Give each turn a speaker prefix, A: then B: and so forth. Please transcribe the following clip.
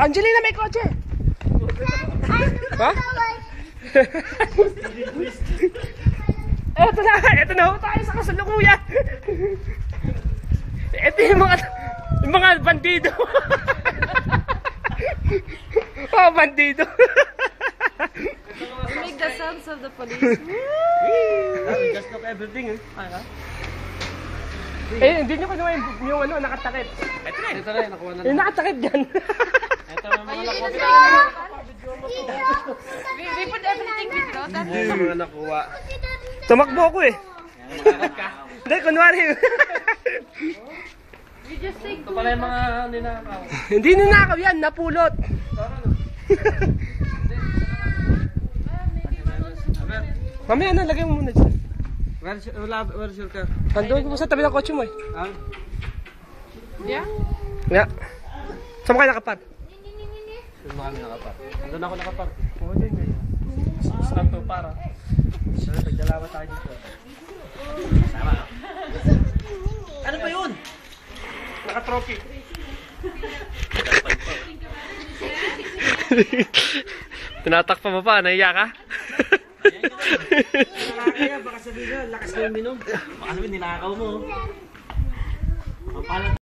A: Angelina, may kotse! Ha? Eto na ho tayo sa kasalukuyan. Eto yung mga bandido. Oh, bandido.
B: You make the sounds of the police.
C: Just look everything, eh.
A: Eh, hindi nyo kinuha yung ano, nakatakip.
C: Ito na, nakuha na
A: Yung
C: lang.
A: nakatakip dyan.
C: Ito na mga nakuha.
B: We put everything with road.
C: Ito na mga nakuha.
A: Tumakbo ako eh. Hindi, kunwari.
B: We just say
C: Ito pala yung mga ninakaw.
A: Hindi ninakaw yan, napulot. Mamaya na, lagay mo muna dyan.
C: Where's your car?
A: Andun mo sa tabi ng kotse mo eh.
C: Ah?
B: Yeah?
A: Yeah. Saan mo kayo nakapar?
C: Doon kami nakapar. Doon ako nakapar.
A: Oo, dun eh.
C: Saan to para? Sana nagdalawa tayo dito. Sama. Ano ba yun?
A: Naka-trophy. Tinatakpa mo pa, nahiya ka?
C: Kaya baka sabihin na, lakas na uminom. Baka sabihin, nilakaw mo. Ang pala